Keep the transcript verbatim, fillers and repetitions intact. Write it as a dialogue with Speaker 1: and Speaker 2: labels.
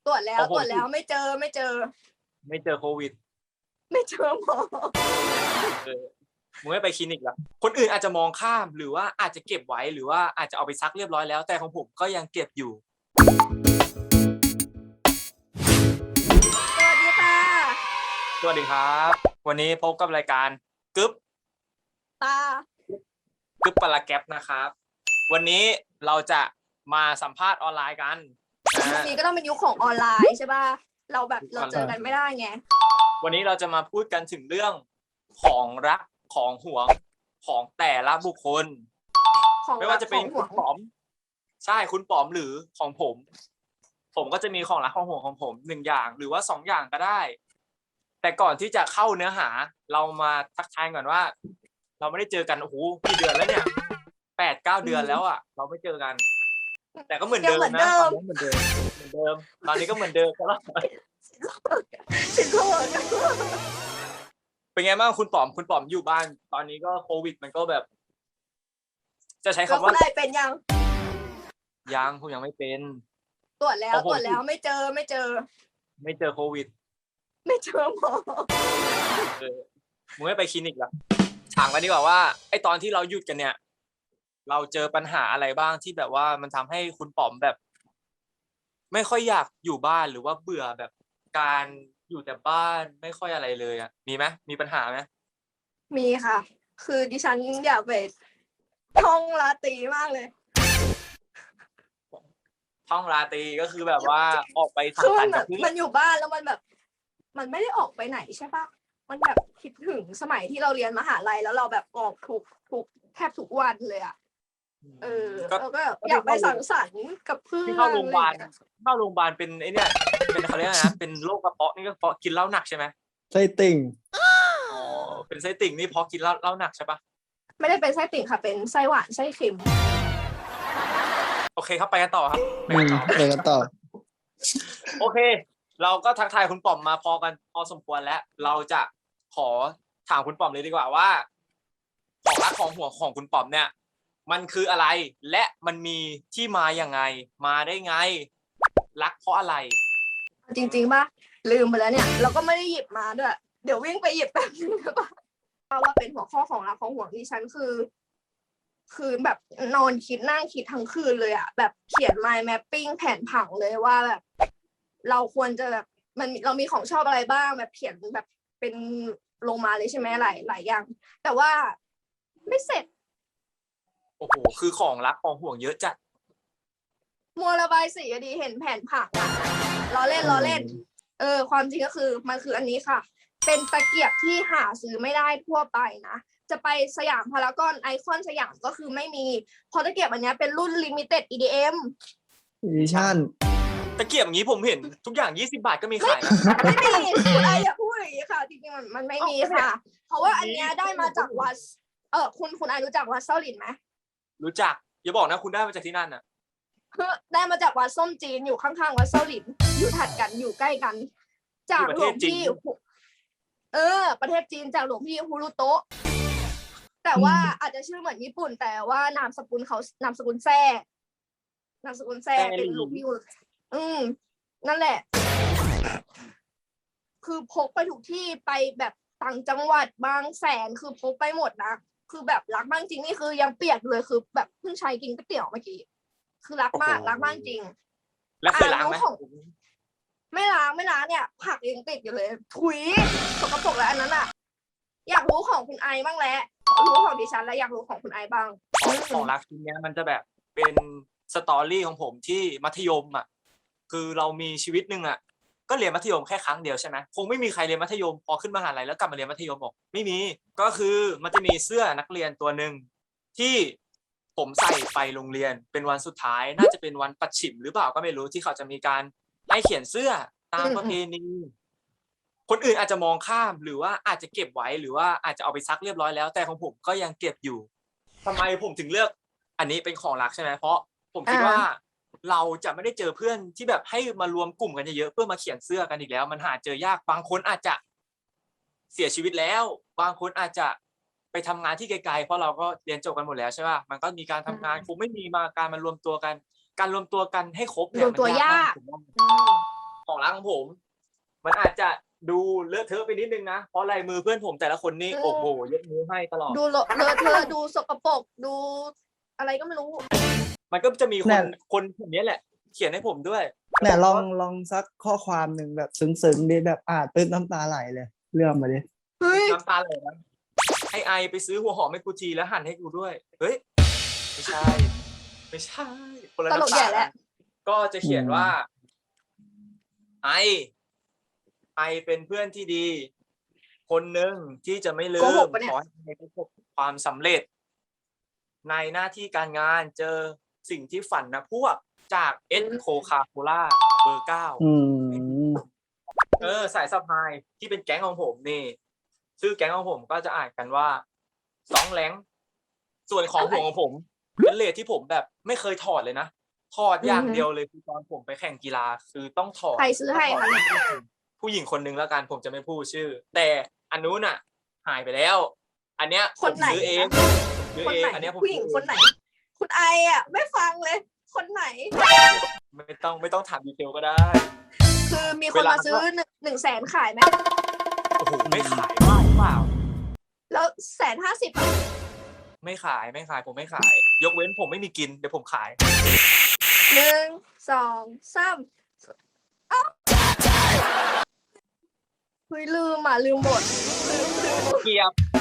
Speaker 1: ตรวจแล้
Speaker 2: ของผม
Speaker 1: วตรวจแล้วไม่เจอไม่เจอ
Speaker 2: ไม่เจอโควิด
Speaker 1: ไม่เจอหมอ
Speaker 2: เออมึงไม่ไปคลินิกละคนอื่นอาจจะมองข้ามหรือว่าอาจจะเก็บไว้หรือว่าอาจจะเอาไปซักเรียบร้อยแล้วแต่ของผมก็ยังเก็บอยู่
Speaker 1: สวัสดีค่ะ
Speaker 2: สวัสดีครับ วันนี้พบกับรายการกึ๊บ
Speaker 1: ตาก
Speaker 2: ึ๊บปลาแก๊ปนะครับ วันนี้เราจะมาสัมภาษณ์ออนไลน์กัน
Speaker 1: ยุค
Speaker 2: นะ
Speaker 1: นี้ก็ต้องเป็นยุคของออนไลน์ใช่ป่ะเราแบบเราเจอกันไม่ได้ไง
Speaker 2: วันนี้เราจะมาพูดกันถึงเรื่องของรักของหวงของแต่ละบุคคล
Speaker 1: ของ
Speaker 2: ไม่ว่าจะเป็น
Speaker 1: รักของ
Speaker 2: คุ
Speaker 1: ห่ว
Speaker 2: ณ
Speaker 1: ง
Speaker 2: ป๋อม ใช่คุณป๋อมหรือของผม ผมก็จะมีของรักของห่วงของผมหนึ่งอย่างหรือว่าสองอย่างก็ได้ แต่ก่อนที่จะเข้าเนื้อหา เรามาทักทายก่อนว่า เราไม่ได้เจอกันโอ้โหกี่เดือนแล้วเนี่ยแปดเก้าเดือนแล้วอ่ะ เราไม่เจอกัน แต่ก็เหมือน
Speaker 1: ยัง
Speaker 2: เดิม
Speaker 1: เหมือน
Speaker 2: นะ
Speaker 1: เดิ
Speaker 2: ตอน
Speaker 1: ม
Speaker 2: นั้นเหมือนเดิมเหมือนเดิม ตอนนี้ก็เหมือนเดิมตลอด
Speaker 1: ฉันโทษ
Speaker 2: เป็นไงบ้างคุณป๋อมคุณป๋อมอยู่บ้าน ตอนนี้ก็โควิดมันก็แบบ จะใช้
Speaker 1: แล้ว
Speaker 2: คำ
Speaker 1: คุ
Speaker 2: ว่า
Speaker 1: ณนายเป็นยัง
Speaker 2: ยังผมยังไม่เป็น
Speaker 1: ตรวจแล้ว
Speaker 2: ของผม
Speaker 1: ตรวจแล้วไม่เจอไม่เจอ
Speaker 2: ไม่เจอโควิด
Speaker 1: ไม่เจอหมอ
Speaker 2: เออมึงไม่ไปคลินิกเหรอถามกันดีกว่าว่าไอตอนที่เราหยุดกันเนี่ย เราเจอปัญหาอะไรบ้างที่แบบว่ามันทำให้คุณป๋อมแบบ ไม่ค่อยอยากอยู่บ้านหรือว่าเบื่อแบบการอยู่แต่บ้านไม่ค่อยอะไรเลยอ่ะ มีไหมมีปัญหาไหม
Speaker 1: มีค่ะ คือดิฉันอยากไปท่องราตรีมากเลย
Speaker 2: ท่องราตรีก็คือแบบว่าออกไปสั
Speaker 1: คื
Speaker 2: ง
Speaker 1: อ
Speaker 2: สร
Speaker 1: มั
Speaker 2: ร
Speaker 1: น
Speaker 2: ค์
Speaker 1: แบ
Speaker 2: กับบ เพื่อ
Speaker 1: มัน นอยู่บ้านแล้วมันแบบ มันไม่ได้ออกไปไหนใช่ปะมันแบบคิดถึงสมัยที่เราเรียนมหาลัยแล้วเราแบบออกทุกทุกแทบทุกวันเลยอ่ะ เออ
Speaker 2: ก็
Speaker 1: แล้วก็อยากไปสังสรรค์กับเพื่อน
Speaker 2: ที่เข้าโรงพยาบาล
Speaker 1: อะไรอย่เงี้ย
Speaker 2: เข้าโรงพยาบาลเป็นไอเนี่ยเป็นเขาเรียกอะไรนะเป็นโรคกระเพาะนี่ก็เพราะกินเหล้าหนักใช่ไหม
Speaker 3: ไส้ติ่ง
Speaker 2: อ๋อเป็นไส้ติ่งนี่เพราะกินเหล้าเหล้าหนักใช่ปะ
Speaker 1: ไม่ได้เป็นไส้ติ่งค่ะ เป็นไส้หวานไส้เค็ม
Speaker 2: โอเคครับไปกันต่อครับไป
Speaker 3: อื
Speaker 2: กัน
Speaker 3: ม
Speaker 2: ต่อ
Speaker 3: ไปกันต่อ
Speaker 2: โอเค เราก็ทักทายคุณป๋อมมาพอกันพอสมควรแล้ว เราจะขอถามคุณป๋อมเลยดีกว่าว่า ของรักของห่วงของคุณป๋อมเนี่ย มันคืออะไร และมันมีที่มาอย่างไง มาได้ไง รักเพราะอะไร
Speaker 1: จริงๆป่ะลืมไปแล้วเนี่ย เราก็ไม่ได้หยิบมาด้วย เดี๋ยววิ่งไปหยิบแป๊บนึงได้ปะว่าเป็นหัวข้อของรักของห่วงดิฉันคือ คือแบบนอนคิดนั่งคิดทั้งคืนเลยอะแบบเขียน mind mapping แผนผังเลยว่าแบบ เราควรจะแบบมันเรามีของชอบอะไรบ้างแบบเขียนแบบเป็นลงมาเลยใช่ไหมหลายหลายอย่าง แต่ว่าไม่เสร็จ
Speaker 2: โอ้โห คือของรักของห่วงเยอะจัด
Speaker 1: มัวระบายสีอะดีเห็นแผนผังอะล้อเล่นล้อเล่น เออ ความจริงก็คือมันคืออันนี้ค่ะ เป็นตะเกียบที่หาซื้อไม่ได้ทั่วไปนะ จะไปสยามพารากอนไอคอนสยามก็คือไม่มีเพราะตะเกียบอันนี้เป็นรุ่น limited อี ดี เอ็ม
Speaker 3: edition
Speaker 2: ตะเกียบอย่างนี้ผมเห็นทุกอย่างยี่สิบบาทก็มีขายนะ
Speaker 1: ไม่มีคุณไออย่าพูดอย่างนี้ค่ะ จริงๆมันมันไม่มีค่ะ เพราะว่าอันเนี้ยได้มาจากวัดเออคุณคุณไอรู้จักวัดเซาหลินไหม
Speaker 2: รู้จัก อย่าบอกนะคุณได้มาจากที่นั่นน่ะ
Speaker 1: คือได้มาจากวัดส้มจีนอยู่ข้างๆวัดเซาหลินอยู่ถัดกันอยู่ใกล้กัน จากหลวงพี่เออ ประเทศจีนจากหลวงพี่ฮูรุโตะแต่ว่าอาจจะชื่อเหมือนญี่ปุ่น แต่ว่านามสกุลเขานามสกุลแซ่นามสกุลแซ่เป็นหลวงพี่ฮูรุอืมนั่นแหละ คือพกไปทุกที่ไปแบบต่างจังหวัดบางแสนคือพกไปหมดนะคือแบบรักมากจริงนี่คือยังเปียกเลยคือแบบเพิ่งใช้กินก๋วยเตี๋ยวเมื่อกี้คือรักมากรักมากจริง
Speaker 2: แล้วเคยล้างไหม
Speaker 1: อ่ะรู้ของ ไม่ล้างไม่ล้างเนี่ยผักยังติดอยู่เลยถุยสกปรกแล้วอันนั้นอ่ะ อยากรู้ของคุณไอบ้างแล้วรู้ของดิฉันแล้วอยากรู้ของคุณไอบ้าง
Speaker 2: ของของรักชิ้นเนี้ยมันจะแบบเป็นสตอรี่ของผมที่มัธยมอ่ะ คือเรามีชีวิตหนึ่งอ่ะ ก็เรียนมัธยมแค่ครั้งเดียวใช่ไหมคงไม่มีใครเรียนมัธยมพอขึ้นมหาลัยแล้วกลับมาเรียนมัธยมบอกไม่มี ก็คือมันจะมีเสื้อนักเรียนตัวหนึ่งที่ผมใส่ไปโรงเรียนเป็นวันสุดท้าย น่าจะเป็นวันปัดฉิมหรือเปล่าก็ไม่รู้ที่เขาจะมีการให้เขียนเสื้อตามประเพณีคนอื่นอาจจะมองข้ามหรือว่าอาจจะเก็บไว้หรือว่าอาจจะเอาไปซักเรียบร้อยแล้ว แต่ของผมก็ยังเก็บอยู่ทำไมผมถึงเลือกอันนี้เป็นของรักใช่ไหมเพราะผมคิดว่าเราจะไม่ได้เจอเพื่อนที่แบบให้มารวมกลุ่มกันเยอะๆเพื่อมาเขียนเสื้อกันอีกแล้ว มันหาเจอยากบางคนอาจจะเสียชีวิตแล้วบางคนอาจจะไปทำงานที่ไกลๆเพราะเราก็เรียนจบกันหมดแล้วใช่ป่ะมันก็มีการทำงานคงไม่มีมาการมารวมตัวกัน การรวมตัวกันให้ครบเนี่ย
Speaker 1: รวมตัวยาก
Speaker 2: มันยากมากลังผม มันอาจจะดูเลอะเทอะไปนิดนึงนะเพราะลายมือเพื่อนผมแต่ละคนนี่โอ้โหยกมือให้ตลอด
Speaker 1: ดูเลอะเลอะเทอะดูสกปรกดูอะไรก็ไม่รู้
Speaker 2: มันก็จะมีค
Speaker 3: แน่
Speaker 2: นคนคนนี้แหละ เขียนให้ผมด้วย
Speaker 3: เนี่ยลองลองสักข้อความหนึ่งแบบซึ้งๆดิแบบอ่านตื้นน้ำตาไหลเลย เรื่องมาดิ
Speaker 1: เฮ้ย
Speaker 2: น้ำตาไหลนะไอไอไปซื้อหัวหอมให้กูทีแล้วหั่นให้กูด้วย เฮ้ย ไม่ใช่ ไม่ใช่คนละ
Speaker 1: ตลก
Speaker 2: น้ำ
Speaker 1: ใหญ่
Speaker 2: ตา
Speaker 1: แหละ
Speaker 2: ก็จะเขียนว่า ไอ ไอเป็นเพื่อนที่ดี คนหนึ่งที่จะไม่ลื
Speaker 1: โกห
Speaker 2: ม
Speaker 1: กปะเนี่ย
Speaker 2: ขอให้ไอประสบความสำเร็จ ในหน้าที่การงานเจอสิ่งที่ฝันนะพวกจากเอสโคคาโคล่าเบอร์เก้า
Speaker 3: อืม
Speaker 2: เออสายสะพายที่เป็นแก๊งของผมนี่ชื่อแก๊งของผมก็จะอ่านกันว่าสองแหลงส่วนของผมของผม เป็นเลทที่ผมแบบไม่เคยถอดเลยนะถอดอย่างเดียวเลยคือตอนผมไปแข่งกีฬาคือต้องถอด
Speaker 1: ใครซื้อให้คะเนี่ย
Speaker 2: ผู้หญิงคนนึงแล้วกันผมจะไม่พูดชื่อ แต่อันนู้นอ่ะ หายไปแล้ว อันเนี้ยผ
Speaker 1: คน
Speaker 2: ม
Speaker 1: ไหน
Speaker 2: ซื้อเองผมซื้อ
Speaker 1: คน
Speaker 2: เอ
Speaker 1: ไหน
Speaker 2: งอันเนี้ยผม
Speaker 1: ผู้หญิง
Speaker 2: ซื้อ
Speaker 1: คนไหน คุณไออ่ะ ไม่ฟังเลย คนไหน
Speaker 2: ไม่ต้องไม่ต้องถามดีเทลก็ได้
Speaker 1: คือมีค
Speaker 2: เวน ลา
Speaker 1: มาซื้อหนึ่งหนึ่งแสนขายไหม
Speaker 2: โอ้โหไม่ขายบ้าหรือเปล่า
Speaker 1: แล้วแสนห้าสิบอ่ะ
Speaker 2: ไม่ขายไม่ขายผมไม่ขาย ยกเว้นผมไม่มีกินเดี๋ยวผมขาย
Speaker 1: หนึ่งสองสามเอ้าเฮ้ยลืมอ่ะลืมหมดลืมลืม
Speaker 2: เกียบ